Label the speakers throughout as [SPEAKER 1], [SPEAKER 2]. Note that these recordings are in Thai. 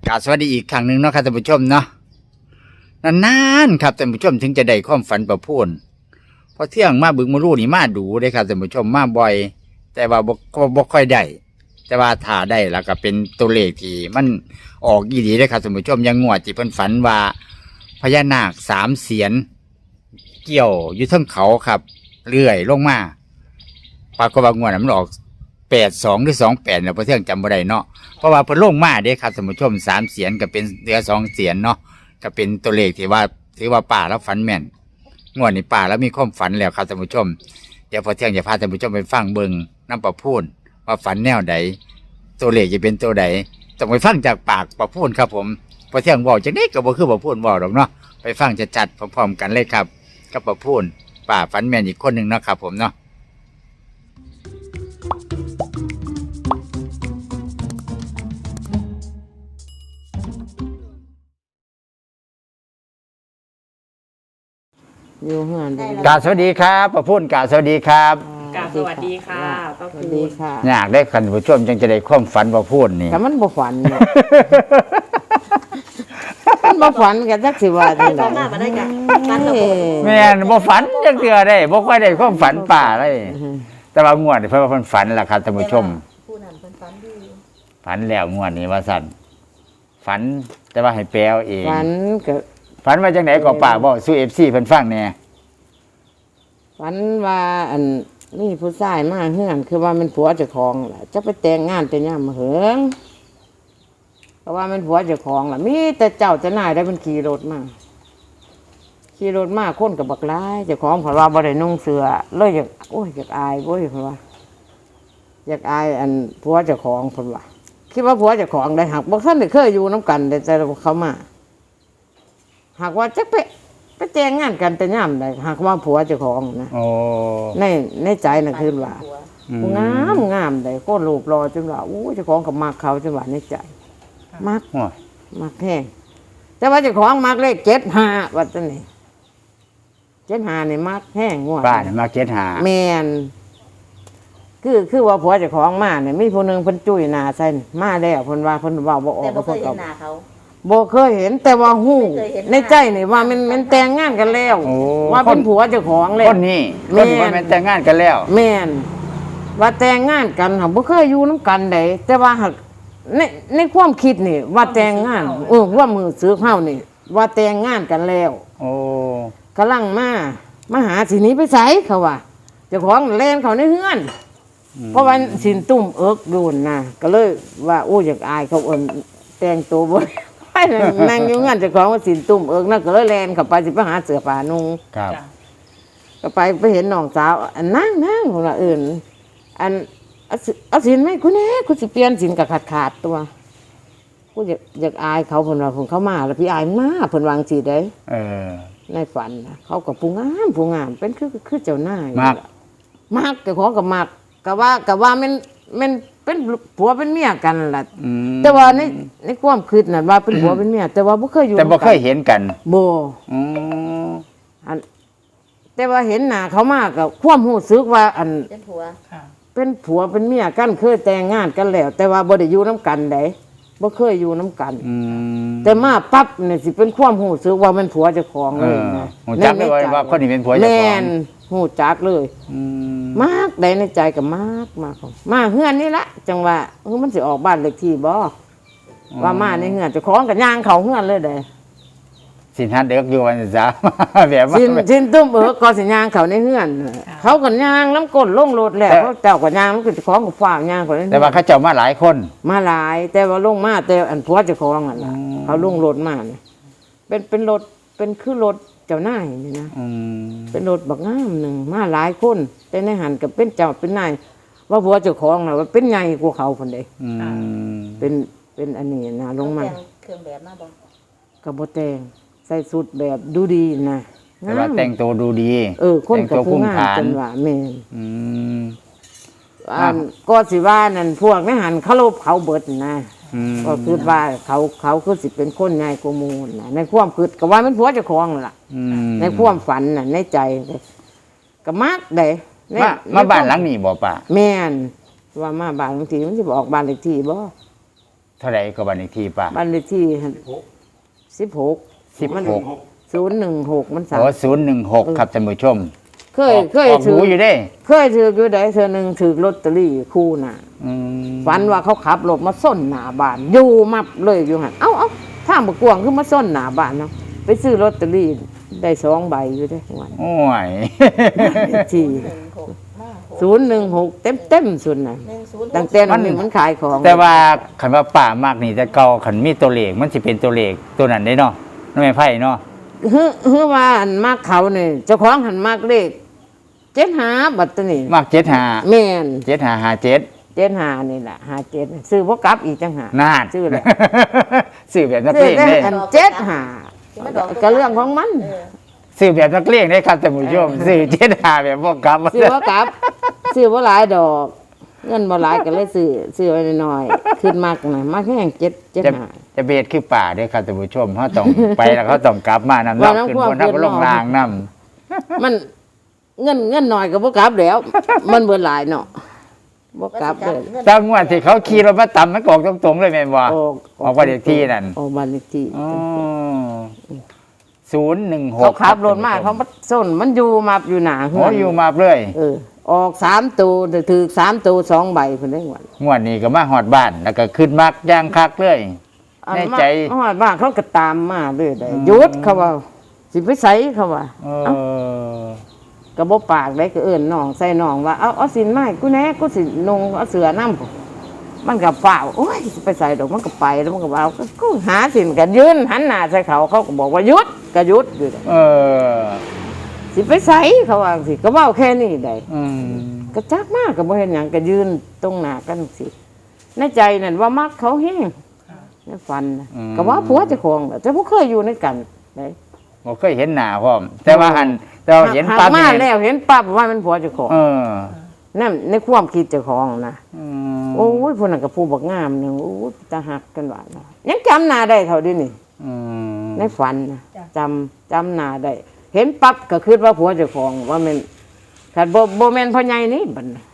[SPEAKER 1] กราบสวัสดีอีกครั้งหนึ่งเนาะครับท่านผู้ชมเนาะนานๆครับท่านผู้ชมถึงจะได้ความฝันประพูนเพราะเที่ยงมาบึงมารู้นี่มาดูได้ครับท่านผู้ชมมาบ่อยแต่ว่าบ่ค่อยได้แต่ว่าถ้าได้แล้วก็เป็นตัวเลขที่มันออกอีหลีได้ครับท่านผู้ชมยังงวดที่เพิ่นฝันว่าพญานาค3 เสียนเกี่ยวอยู่เทิงเขาครับเลื่อยลงมาปรากฏว่างวดนั้นมันออก82หรือ28เนี่ยพอเที่ยงจำบ่ได้เนาะเพราะว่าเพิ่นลงมาเด้ครับท่านผู้ชม3 เสียนก็เป็นเหลือ2 เสียนเนาะก็เป็นตัวเลขที่ว่าถือว่าป่าแล้วฝันแม่นงวดนี้ป่าแล้วมีความฝันแล้วครับท่านผู้ชมเดี๋ยวพอเที่ยงจะพาท่านผู้ชมไปฟังเบิ่งน้ำประพูนว่าฝันแนวใดตัวเลขจะเป็นตัวใดต้องไปฟังจากปากประพูนครับผมพอเที่ยงบอกจังได๋ก็บ่คือประพูนบอกหรอกเนาะไปฟังจัดๆพร้อมๆกันเลยครับกับประพูนป่าฝันแม่นอีกคนนึงเนาะครับผมเนาะ
[SPEAKER 2] อยู่เฮือน
[SPEAKER 1] กราบสวัสดีครับประพูนกราบสวัสดีครับ
[SPEAKER 3] กราบสวัสดีค่ะป้า
[SPEAKER 2] ส
[SPEAKER 3] ปู
[SPEAKER 2] วัสดีค่ะ
[SPEAKER 1] อยากได้คันผู้ชมจังจะได้ความฝันประพูนนี่
[SPEAKER 2] แต่มันบ่ฝันเนาะ มันบ่ฝันกันจักสิว่าจังได๋
[SPEAKER 3] เข้ามามาได้กันฟันระบบ
[SPEAKER 1] แม่นบ่ฝันจังเทื่อได้บ่ค่อยได้ความฝันป่าเลยแต่ว่างวดนี่เพิ่นว่าเพิ่นฝันล่ะครับท่านผู้ชม
[SPEAKER 3] ผู้นั้นเพิ่นฝันดี
[SPEAKER 1] ฝันแล้วงวดนี้ว่าซั่นฝันแต่ว่าให้แปลเอาเอง
[SPEAKER 2] ฝันก็
[SPEAKER 1] ฝันว่าจังไดก็ป่าบ่สู้ FC เพิ่นฟังแหน่
[SPEAKER 2] ฝันว่าอันนี่ผู้ชายมาเฮือนคือว่ามันผัวเจ้าของล่ะจะไปแต่งงานแต่ยามมาเหิงเพราะว่ามันผัวเจ้าของล่ะมีแต่เจ้าจะนายได้มันขี่รถมาคนกับบักหลายเจ้าของเพิ่นว่าบ่ได้นุ่งเสื้อเลยอยากโอ้ยอยากอายเว้ยเพิ่นว่าอยากอายอันผัวเจ้าของเพิ่นว่าคิดว่าผัวเจ้าของได้หักบ่ทันได้เคยอยู่นํกันแต่เขามาหากว่าจักไปแต่งงานกันแต่ยามใดหากว่าผัวเจ้าของนะ
[SPEAKER 1] โอ้
[SPEAKER 2] ในใจน่ะคือว่าผู้งามใดโคตรรูปรอจนว่าอู้เจ้าของก็มักเขาจนว่าในใจมัก
[SPEAKER 1] โอ้ย
[SPEAKER 2] มักแห้งแต่ว่าเจ้าของมักเลข75ว่าจังนี่75นี่มักแห้งงวด
[SPEAKER 1] ป้านี่มา75
[SPEAKER 2] แม่นคือว่าผัวเจ้าของมาเนี่ยมีผู้หนึงเพิ่นจุ้ยหน้าใส่มาแล้วเพิ่นว่าเพิ่นเว้าบ่ออ
[SPEAKER 3] แต่
[SPEAKER 2] ก
[SPEAKER 3] บ่เค
[SPEAKER 2] เพิ่
[SPEAKER 3] ย
[SPEAKER 2] น
[SPEAKER 3] เห็
[SPEAKER 2] ก็
[SPEAKER 3] นหน้าเขา
[SPEAKER 2] บ่เคยเห็นแต่ว่าฮู้
[SPEAKER 3] ไม่เคยเห็นหน้า
[SPEAKER 2] ในใจนี่ว่ามันแต่งงานกันแล้ว
[SPEAKER 1] โอ้
[SPEAKER 2] ว่าเป็นผัวเจ้าของแล้ว
[SPEAKER 1] คนนี้
[SPEAKER 2] แม่
[SPEAKER 1] คน
[SPEAKER 2] น
[SPEAKER 1] ที่ว่าแม่นแต่งงานกันแล้ว
[SPEAKER 2] แม่นว่าแต่งงานกันค่ะบ่เคยอยู่น้ำกันใดแต่ว่าหากในความคิดนี่ ว่าแต่งงานว่ามือซื้อเฮานี่ ว่าแต่งงานกันแล้ว
[SPEAKER 1] โอ้
[SPEAKER 2] กำลังมาหาสิหนี้ไปไสเขาว่าเจ้าของแล่นเขาในเฮือน เพราะว่าสินตุ่มเอิกดูนนะก็เลยว่าโอ้อยากอายเขาเอิ้นแต่งตัวบ่ไปนั่งอยู่งานเจ้าของว่าสินตุ่มเอิกนั่นก็เลยแล่นเข้าไปสิไปหาเสื้อผ้านุ่ง
[SPEAKER 1] ครับ
[SPEAKER 2] ก็ไปเห็นน้องสาวอันนั่งของเราอื่นอันเอาสินไหมคุณคุณสิเปลี่ยนสินกับขาดตัวกูอยากอายเขาเพิ่นว่าเพิ่นเข้ามาแล้วพี่อายมาเพิ่นวางสิได้
[SPEAKER 1] เออ
[SPEAKER 2] ในฝันน่ะเขาก็ผู้งามเป็นคือเจ้านาย
[SPEAKER 1] มัก
[SPEAKER 2] มักแต่ของก็มักก็ว่ามันเป็นผัวเป็นเมียกันล่ะ
[SPEAKER 1] อืม
[SPEAKER 2] แต่ว่าในความคิดน่ะว่าเป็นผัวเป็นเมียแต่ว่าบ่เคยอยู่
[SPEAKER 1] แต่บ่
[SPEAKER 2] นำกัน
[SPEAKER 1] เคยเห็นกัน
[SPEAKER 2] บ่
[SPEAKER 1] อืม
[SPEAKER 2] อันแต่ว่าเห็นหน้าเขามากกับความรู้สึกว่าอัน
[SPEAKER 3] เป็นผัว
[SPEAKER 2] เป็นผัวเป็นเมียกันเคยแต่งงานกันแล้ว แต่ว่าบ่ได้อยู่น้ำกันไดบ่เคยอยู่น้ำกัน
[SPEAKER 1] อืม
[SPEAKER 2] แต่มาปั๊บเนี่ยสิเป็นความรู้สึกว่ามันผัวเจ้าของ
[SPEAKER 1] เอ
[SPEAKER 2] เลย
[SPEAKER 1] อ
[SPEAKER 2] นะ
[SPEAKER 1] หูจักได้ว่าคนนี้เป็นผัวเจ้าของ
[SPEAKER 2] แม่นหูจักเลย
[SPEAKER 1] อืม
[SPEAKER 2] มากได้ในใจก็มากมาเฮือนนี่ละจังว่ามันสิออกบ้านเลขที่บ่ว่ามาในเฮือนเจ้าของก็ย่างเข้าเฮือนเลยเด้
[SPEAKER 1] สินฮัดเด็กอยู่วันจ้า แบบว่า
[SPEAKER 2] สินตุ้มก็สิย่างเข้าในเฮือนเขาก็ย่างน้ำก้นลงรถแล้วเขาเจ้าก็ย่างมันก็เจ้าของก็ฟ้าวย่างเข้าในเฮือน
[SPEAKER 1] แต่ว่าเขาเจ้ามาหลายคน
[SPEAKER 2] มาหลายแต่ว่าลงมาแต่อันผัวเจ้าของอ่ะล่ะเขาลงรถมาเนี่ยเป็นรถเป็นคือรถเจ้านายนี่นะ
[SPEAKER 1] อืม
[SPEAKER 2] เป็นรถบักงามหนึ่งมาหลายคนแต่ในหันกับเป็นเจ้าเป็นนายว่าผัวเจ้าของน่ะว่าเป็นใหญ่กว่าเขาคนใด
[SPEAKER 1] อืม
[SPEAKER 2] เป็นอันนี้นะลงมา
[SPEAKER 3] แต่เครื่องแบบมาบ่
[SPEAKER 2] กับโบแตงใส่สุดแบบดูดีนะ
[SPEAKER 1] แต่ว่าแต่งตัวดูดี
[SPEAKER 2] คนกับ
[SPEAKER 1] แต่งตัว
[SPEAKER 2] ผู้
[SPEAKER 1] พุ่ง
[SPEAKER 2] งาม
[SPEAKER 1] ฐาน
[SPEAKER 2] จนว่าแม่น
[SPEAKER 1] อืม
[SPEAKER 2] อันก็สิว่านั่นพวกในหันเขาลบเขาเบิดนะ
[SPEAKER 1] อืม
[SPEAKER 2] ก็คือว่าเขาคือสิเป็นคนใหญ่กว่าหมูลนะในความคิดก็ว่ามันผัวเจ้าของนั่นล่ะ
[SPEAKER 1] อืม
[SPEAKER 2] ในความฝันน่ะในใจก็มักได้ใน
[SPEAKER 1] มาบ้านหลังนี้บ่ป่า
[SPEAKER 2] แม่นว่ามาบ้านบางทีมันสิบอกบ้านเลขที่บ่
[SPEAKER 1] เท่าไหร่ก็บ้านเลขที่ป้า
[SPEAKER 2] บ้านเลขที่16
[SPEAKER 1] 16
[SPEAKER 2] 016มันสาม
[SPEAKER 1] โอ้016ครับท่านผู้ชม
[SPEAKER 2] เคย
[SPEAKER 1] ออก
[SPEAKER 2] ถื
[SPEAKER 1] หูอยู่เด้
[SPEAKER 2] เคยถืออยู่ได้เธอหนึงถือลอตเตอรี่คู่น่ะ
[SPEAKER 1] อืม
[SPEAKER 2] ฝันว่าเขาขับรถมาส้นหน้าบ้านอยู่มับเลยอยู่หั่นเอ้าทางบ่กวางคือมาส้นหน้าบ้านเนาะไปซื้อลอตเตอรี่ได้2ใบอยู่เด้วัน
[SPEAKER 1] โอ้ย
[SPEAKER 2] ที่
[SPEAKER 3] 116
[SPEAKER 2] 016เต็มๆสุดน่ะ
[SPEAKER 3] 106
[SPEAKER 2] ตั้งแต่นั้นมันขายของ
[SPEAKER 1] แต่ว่าคันว่าป้ามากนี่แต่เก่าคันมีตัวเลขมันสิเป็นตัวเลขตัวนั้นได้เนาะน้องแม่ไพ่เนาะ
[SPEAKER 2] ฮือว่าอันมากเขานี่เจ้าของหันมากเลข75บัดตัวนี้
[SPEAKER 1] มาก75
[SPEAKER 2] แม่น
[SPEAKER 1] 7557
[SPEAKER 2] 75นี่ล่ะ57ซื้อบ่กลับอีกจังหา
[SPEAKER 1] นาน
[SPEAKER 2] ซื้อแล้ว
[SPEAKER 1] ซื้อแบบนัก
[SPEAKER 2] ซื้
[SPEAKER 1] เล
[SPEAKER 2] อง ได้
[SPEAKER 1] ได้
[SPEAKER 2] อัน75ก็เรื่องของมัน
[SPEAKER 1] ซื้อแบบนักเลงได้ครับท่านผู้ชมซื้อ75แบบบ่กลับ
[SPEAKER 2] ซื้อบ่กลับซื้อบ่หลายดอก เงินบ่หลายก็เลยซื้อไว้น้อยๆขึ้นมากน่ะมากแค่75
[SPEAKER 1] จะเบียดคือป่าเด้อครับท่านผู้ชมเฮาต้อง ไปแล้วเขาต้องกลับมานำ
[SPEAKER 2] ว่า
[SPEAKER 1] เนาะ
[SPEAKER 2] น้ำ
[SPEAKER 1] ขึ้น
[SPEAKER 2] ท่วม
[SPEAKER 1] บนนัก
[SPEAKER 2] ขึ้น
[SPEAKER 1] ลง
[SPEAKER 2] เนาะ
[SPEAKER 1] รางนํ
[SPEAKER 2] มันเงินน้อยก็บ่กลับแล้ว มันเบิดหลายเนาะบ่กลับเลย
[SPEAKER 1] จังหวะที่เขาขี่รถมาต่ำมันก็ออกตรงๆเลยแม่นบ่
[SPEAKER 2] อ
[SPEAKER 1] ออกบ้านเลขที่นั่น
[SPEAKER 2] ออกบ้านเลขที่
[SPEAKER 1] อ๋อ016
[SPEAKER 2] เขาขับรถมาเขามาส้นมันอยู่มาอยู่หนาเฮื
[SPEAKER 1] โอ้อยู่มาเลย
[SPEAKER 2] ออก3ตัวถือ3ตัว2ใบเพิ่นได้หวัน
[SPEAKER 1] งวดนี้ก็มาฮอดบ้านแล้วก็ขึ้นมักย่างคักเลย แน่ใจ
[SPEAKER 2] ฮอดบ้านเขาก็ตามมาเรื่อยได้หยุดเขาว่าสิไปไสเขาว่า
[SPEAKER 1] เออ
[SPEAKER 2] ก็บ่ปากได้ก็เอิ้นน้องใส่น้องว่าเอาสินไม้กูแหน่กูสินุ่งเอาเสื้อนำมันก็ฟ้าวโอ้ยสิไปใส่ดอกมันก็ไปแล้วมันก็ว่ากูหาสินก็ยืนหันหน้าใส่เขาเขาก็บอกว่าหยุดก็หยุดอยู่ได้
[SPEAKER 1] เออ
[SPEAKER 2] สิไปไสเขาว่าสิก็เว้าแค่นี้ได้
[SPEAKER 1] อืม
[SPEAKER 2] ก็จักมากก็บ่เห็นหยังก็ยืนตรงหน้ากันสิในใจนั่นว่ามักเขาแห้งในฝันนะก็ว่าผัวเจ้าของแหละแต่บ่เคยอยู่ในกันได้
[SPEAKER 1] บ่เคยเห็นหน้าพร้อม แต่ว่าเราเห็น
[SPEAKER 2] หา
[SPEAKER 1] ปั๊บ
[SPEAKER 2] มา
[SPEAKER 1] นี่
[SPEAKER 2] แล้วเห็นปั๊บว่ามันผัวเจ้าของ
[SPEAKER 1] เออ
[SPEAKER 2] นั่นในความคิดเจ้าของนะ
[SPEAKER 1] อืม
[SPEAKER 2] โอ้ยพวกนั้นก็ผู้บักงามนึงโอ้ยตาหักกันว่าเนาะยังจำหน้าได้เท่านี้นี่
[SPEAKER 1] อืม
[SPEAKER 2] ในฝันนะจำหน้าได้ เห็นปั๊บก็คิดว่าผัวเจ้าของว่ามันคันบ่แม่นพ่อใหญ่นี่บัดน่ะ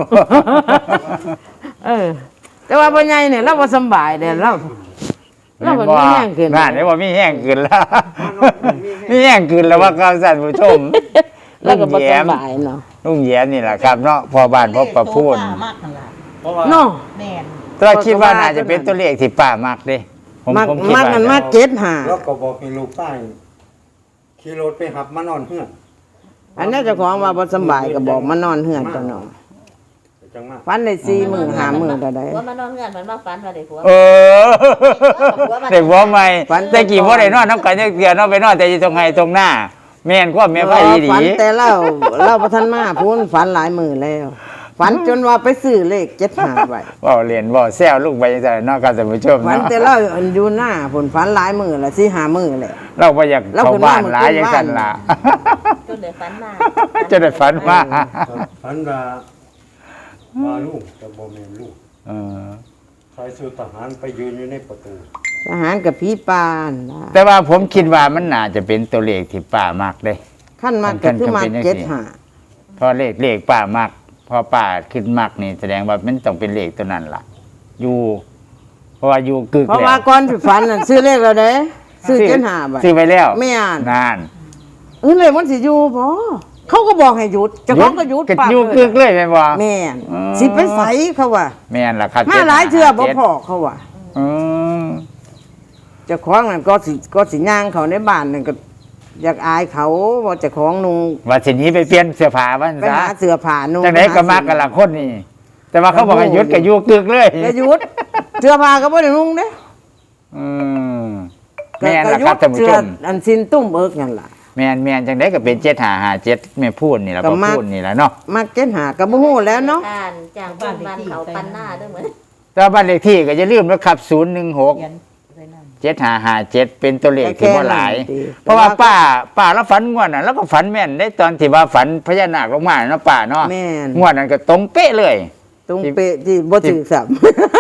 [SPEAKER 2] แต่ว่าพ่อใหญ่เนี่ยเราบ่สำบายเด้เราบ่มีแรงขึ้น
[SPEAKER 1] นั่นได้ว่ามีแห้งขึ้นแล้ว มีแห้งขึ้นแล้วว่าครับท่านผู้ชม
[SPEAKER 2] แล้วก็บ่
[SPEAKER 1] ลุงแย้ม
[SPEAKER 2] สำบายเนาะ
[SPEAKER 1] ลุงแย้มนี่แหละครับเนาะพอบ้านพอประพูน
[SPEAKER 3] มากนั่นล่ะ
[SPEAKER 4] เพราะว่า
[SPEAKER 2] เนาะ
[SPEAKER 3] แม่น
[SPEAKER 1] ตัวคิดว่าน่าจะเป็นตัวเลขที่ป้ามากเด้ผม
[SPEAKER 2] มัก
[SPEAKER 1] ผมคิด
[SPEAKER 2] มัก
[SPEAKER 1] ว่า
[SPEAKER 2] กันมา75
[SPEAKER 4] แล้วก็บอกให้ลูกใต้ขี่รถไปหับมานอนเฮือน
[SPEAKER 2] อันนี้เจ้าของว่าบ่สำบายก็บอกมานอนเฮือนตัวเนาะ
[SPEAKER 4] จังมาก
[SPEAKER 2] ฝันได้4มื้อ5มื้อก็ได้
[SPEAKER 3] ผัวมานอนเฮือนมันมาฝันว่าได้ผัว
[SPEAKER 1] เออเด็กหัวใหม่แต่กี่บ่ได้นอนน้ำกันจักเทื่อเนาะไปนอนแต่อยู่ตรงไห้ตรงหน้า แม่นความแม่ไผอีหลี
[SPEAKER 2] ฝันแต่เราบ่ทันมาพูนฝันหลายมื้อแล้ว ฝันจนว่าไปซื้อเลข75ไว้
[SPEAKER 1] เว้าเล่นเว้าแซวลูกไปจังซั่นเนาะครับท่านผู้ชม
[SPEAKER 2] ฝัน
[SPEAKER 1] เนาะ
[SPEAKER 2] แต่เราอยู่หน้าผลฝันหลายมื้อละ4-5มื้อแล้ว
[SPEAKER 1] เราบ่อยาก
[SPEAKER 2] เรา
[SPEAKER 1] เข้า
[SPEAKER 2] ขึ้น
[SPEAKER 1] บ้าน
[SPEAKER 2] มา
[SPEAKER 1] หลายจังซั่นล่ะ
[SPEAKER 3] จนได้ฝันมา
[SPEAKER 1] จะได้ฝันว่า
[SPEAKER 4] ฝันว่าลูกแต่บ่แม่นลูก
[SPEAKER 1] เออ
[SPEAKER 4] ชายสุทหารไปยืนอยู่ในประตู
[SPEAKER 2] ทหารกับผีปานนะ
[SPEAKER 1] แต่ว่าผมคิดว่ามันน่าจะเป็นตัวเลขที่ป้ามากเด้
[SPEAKER 2] ขั้นมาก็คือมา
[SPEAKER 1] ขั้นเป็นจังซี่
[SPEAKER 2] 75
[SPEAKER 1] เพราะเลขป้ามากพอป้าขึ้นมากนี่แสดงว่ามันต้องเป็นเลขตัวนั้นล่ะ อยู่ เพราะว่าอยู่กึก
[SPEAKER 2] เพราะ
[SPEAKER 1] แล้ว
[SPEAKER 2] ว่าก่อนสิฝันน่ะซื้อเลขแล้วเด้ซื้อ75บาท
[SPEAKER 1] ซื้อไปแล้ว
[SPEAKER 2] ไม่อ่าน
[SPEAKER 1] นาน
[SPEAKER 2] เลขมันสิอยู่บ่เขาก็บอกให้หยุดเจ้าของก็หยุด
[SPEAKER 1] ก็
[SPEAKER 2] ปาก
[SPEAKER 1] อยู่กึกเลยแม่นบ่
[SPEAKER 2] แม่น
[SPEAKER 1] อืม
[SPEAKER 2] สิไปไสเขาว่า
[SPEAKER 1] แม่นล่ะครับ
[SPEAKER 2] มาหลายเทื่อบ่
[SPEAKER 1] 7
[SPEAKER 2] พอเขาว่า
[SPEAKER 1] อืม
[SPEAKER 2] เจ้าของนั่นก็สิย่างเขาในบ้านนั่นก็อยากอายเขาว่าเจ้าของนุ่ง
[SPEAKER 1] ว่าสิหนี้ไปเปลี่ยนเสื้อผ้ามัน
[SPEAKER 2] ไป
[SPEAKER 1] ซะ
[SPEAKER 2] หาเสื้อผ้านุ่ง
[SPEAKER 1] จังได๋ก็มักกันละคนนี่ แต่ว่าเขาบอกให้หยุดก็อยู่กึกเลย
[SPEAKER 2] ก็หยุดเสื้อผ้าก็บ่ได้นุ่งเด้
[SPEAKER 1] อืมแม่นล่ะครับท่านผู้ชม
[SPEAKER 2] อันสินตุ้มเอิกนั่นล่ะ
[SPEAKER 1] แม่นจังได๋ก็เป็น7557แม่พูดนี่ล่ะ
[SPEAKER 2] ก็
[SPEAKER 1] บ่
[SPEAKER 2] มัก
[SPEAKER 1] พูดนี่ล่ะเนาะ
[SPEAKER 2] มักเก็นหาก็บ่ฮู้แล้วเนาะ
[SPEAKER 3] อ่านจากบ้านเขาปันหน้าด้วยเหมือน
[SPEAKER 1] แต่ว่าบ้านเลขที่ก็อย่าลืมนะครับ
[SPEAKER 3] เขีย
[SPEAKER 1] 016
[SPEAKER 3] นไว้นั่น
[SPEAKER 1] 7557เป็นตัวเลขที่บ่หลาย เพราะว่าป้าแล้วฝันงวดน่ะแล้วก็ฝันแม่นได้ตอนที่ว่าฝันพญานาคลงมาเนาะป้าเนาะ
[SPEAKER 2] แม่น
[SPEAKER 1] งวดนั้นก็ตรงเป๊ะเลย
[SPEAKER 2] ตรงเป๊ะที่บ่ถือสับ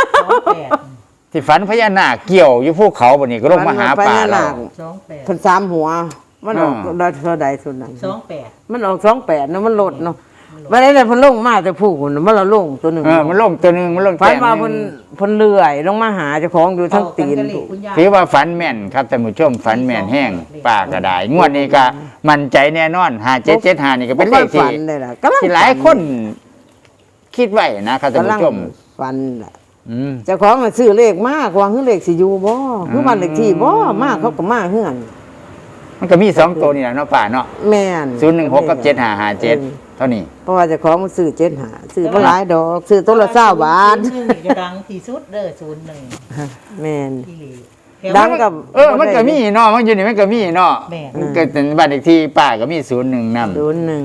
[SPEAKER 3] 28
[SPEAKER 1] ที่ฝันพญานาคเกี่ยวอยู่ภูเขาบัดนี้ก็ลงมาหาป้าเรา
[SPEAKER 3] 28
[SPEAKER 2] เพิ่นสามหัว มันออก
[SPEAKER 1] อ่า
[SPEAKER 2] ได้เท่าใดสุดนั้น
[SPEAKER 3] 28
[SPEAKER 2] มันออก28เนาะมันลดเนาะวันนี้เนี่ยเพิ่นลงมาแต่ผู้คนมันละลงตัวหนึง
[SPEAKER 1] มันลงตัวหนึงมันลง
[SPEAKER 2] ฝัน
[SPEAKER 1] แต้ม
[SPEAKER 2] ว่า
[SPEAKER 1] ห
[SPEAKER 2] เพิ่น
[SPEAKER 1] นึ่ง
[SPEAKER 2] เพิ่นเลื่อยลงมาหาเจ้าของอยู่ทั้งตีน
[SPEAKER 3] เอากั
[SPEAKER 2] ผู้
[SPEAKER 3] คุณยาย
[SPEAKER 1] ถือว่าฝันแม่นครับท่านผู้ชมฝันแม่นแห้งป้าก็ได้งวดนี้ก็มั่นใจแน่นอน5775นี่ก็เป็นเลข
[SPEAKER 2] ฝั
[SPEAKER 1] ที่
[SPEAKER 2] นได้ล่ะกำลัง
[SPEAKER 1] ที่หลายคนคิดไว้นะครับท่าน
[SPEAKER 2] กำลัง
[SPEAKER 1] ผู้ชม
[SPEAKER 2] ฝันล่ะ
[SPEAKER 1] อืม
[SPEAKER 2] เจ้าของน่ะซื้อเลขมากว่าคือเลขสิอยู่บ่คือบ้านเลขที่บ่มากเขาก็มาเฮือน
[SPEAKER 1] มันก็มี2ตัวนี่แหละเนาะป้าเนาะ
[SPEAKER 2] แม่น
[SPEAKER 1] 016กับ7557เท่านี้
[SPEAKER 2] เพราะว่าเจ้าของมันซื้อ75ซื้อบ่หลายดอกซื้อตัวละ20บาท
[SPEAKER 3] 01จะดังที่สุดเด้อ01
[SPEAKER 2] แม่น
[SPEAKER 3] ที่หลี
[SPEAKER 2] ดังกับ
[SPEAKER 1] มันก็มีเนาะมันอยู่นี่มันก็มีเนาะ
[SPEAKER 3] แม่น
[SPEAKER 1] มันก็เป็นบ้านเลขที่ป้าก็มี01นำ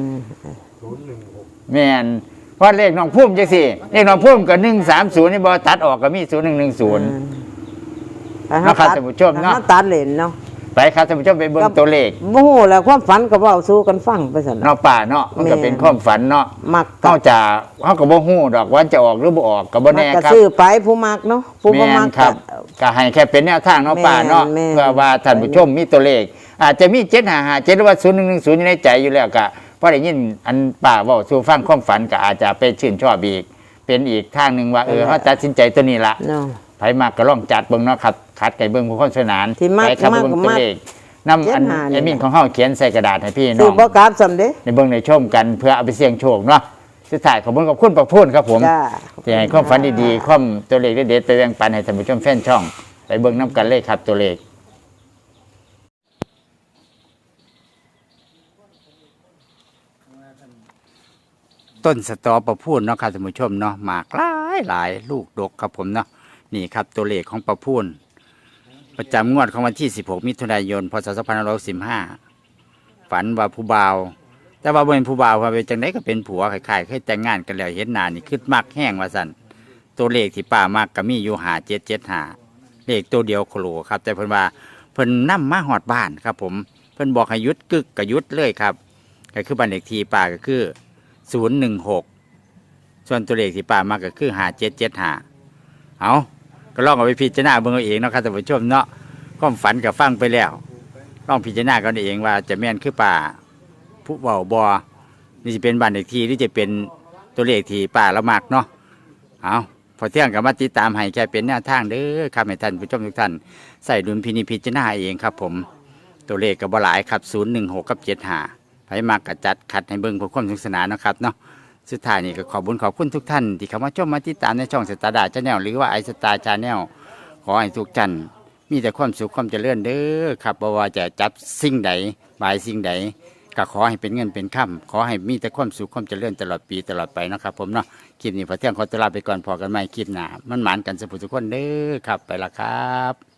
[SPEAKER 2] 01
[SPEAKER 1] แม่นเพราะเลขน้องพุ่มจังซี่เลขน้องพุ่มก็130นี่บ่ตัดออกก็มี0110 นะครับท่านผู้ชมเนาะ
[SPEAKER 2] ตัดเลนเนาะ
[SPEAKER 1] ไปครับท่านผู้ชมไปเบิ่งตัวเลข
[SPEAKER 2] บ่ฮู้แล้วความฝันก็เว้าสู่กันฟังไปซั่น
[SPEAKER 1] เนาะป้าเนาะมันก็เป็นความฝันเนาะ
[SPEAKER 2] มัก
[SPEAKER 1] เฮาจะเฮาก็บ่ฮู้ดอกว่าจะออกหรือบ่ออกก็บ่แน่
[SPEAKER 2] ก็
[SPEAKER 1] ครับ
[SPEAKER 2] ซื้อไปผู้มักเนาะผู้บ่
[SPEAKER 1] แม่
[SPEAKER 2] มั
[SPEAKER 1] น
[SPEAKER 2] ก
[SPEAKER 1] ครับก็ให้แค่เป็นแนวทางเนาะป้าเนาะ
[SPEAKER 2] แม่น
[SPEAKER 1] เพื่อว่าท่านผู้ชมมีตัวเลข อาจจะมี7557หรือว่า0110อยู่ในใจอยู่แล้วก็พอได้ยินอันป้าเว้าสู่ฟังความฝันก็อาจจะไปชื่นชอบอีกเป็นอีกทางหนึงว่าเฮาตัดสินใจตัวนี้ละ
[SPEAKER 2] เนาะ
[SPEAKER 1] ไผมากก็ลองจัดเบิ่งเนาะครับคัดไก่เบิ่งผู้คนสนาน
[SPEAKER 2] ที่มัก
[SPEAKER 1] ไปครับ
[SPEAKER 2] มัก
[SPEAKER 1] เบิ่ง
[SPEAKER 2] ก็
[SPEAKER 1] ตัว
[SPEAKER 2] มัก
[SPEAKER 1] เลขนำอัน
[SPEAKER 2] 75
[SPEAKER 1] แอดมินของเฮาเขียนใส่กระดาษให้พี่น้
[SPEAKER 2] ซื้
[SPEAKER 1] อ
[SPEAKER 2] อง บ่กราบซำเด้
[SPEAKER 1] ในเบิ่งในชมกันเพื่อเอาไปเสี่ยงโชคเนาะสุดท้ายขอบคุณประพูนครับผม
[SPEAKER 2] จ้า
[SPEAKER 1] ที่ให้ความฝันดีๆความตัวเลขเด็ดๆไปแบ่งปันให้ท่านผู้ชมแฟนช่อง ไปเบิ่งน้ำกันเลยครับตัวเลข ต้นสตอประพูนเนาะครับท่านผู้ชมเนาะหมากหลายลูกดกครับผมเนาะนี่ครับตัวเลขของประพูนประจำงวดของวันที่ 16 มิถุนายน พศ 2515 ฝันว่าผู้บ่าว แต่ว่าบ่เป็นผู้บ่าวว่าเป็นจังไดก็เป็นผัวคล้ายๆเคยแต่งงานกันแล้วเห็นหน้านี่คือมักแห้งว่าซั่นตัวเลขที่ป้ามักก็มีอยู่5775เลขตัวเดียวโคโลครับ แต่เพิ่นว่าเพิ่นนำมาฮอดบ้านครับผมเพิ่นบอกให้หยุดกึกก็หยุดเลยครับก็คือบ้านเลขที่ป้าก็คือ016ส่วนตัวเลขที่ป้ามักก็คือ5775เอาก็ลองเอาไปพิจารณาเบิ่งเอาเองเนาะครับท่านผู้ชมเนาะความฝันก็ฟังไปแล้วลองพิจารณากันเองว่าจะแม่นคือป้าผู้เว้าบ่นี่จะเป็นบ้านเลขที่หรือจะเป็นตัวเลขที่ป้าละมักเนาะเอาพอเที่ยงกับมาติดตามให้แค่เป็นแนวทางเด้อครับให้ท่านผู้ชมทุกท่านใส่ดุลพินิจพิจารณาเองครับผมตัวเลขก็บ่หลายครับ016กับ75ไผมักก็จัดคัดให้เบิ่งเพื่อความสนุกสนานเนาะครับเนาะสุดท้ายนี่ก็ขอบคุณทุกท่านที่เข้ามาชมมาติดตามในช่องสตาร์ดาชาแนลหรือว่าไอสตาร์ชาแนลขอให้ทุกท่านมีแต่ความสุขความเจริญเด้อครับบ่ว่าจะจับสิ่งใดบายสิ่งใดก็ขอให้เป็นเงินเป็นค่ำขอให้มีแต่ความสุขความเจริญตลอดปีตลอดไปเนาะครับผมเนาะคลิปนี้พอเที่ยงขอตัวลาไปก่อนพอกันใหม่คลิปหน้ามันหมานกันสุขทุกคนเด้อครับไปละครับ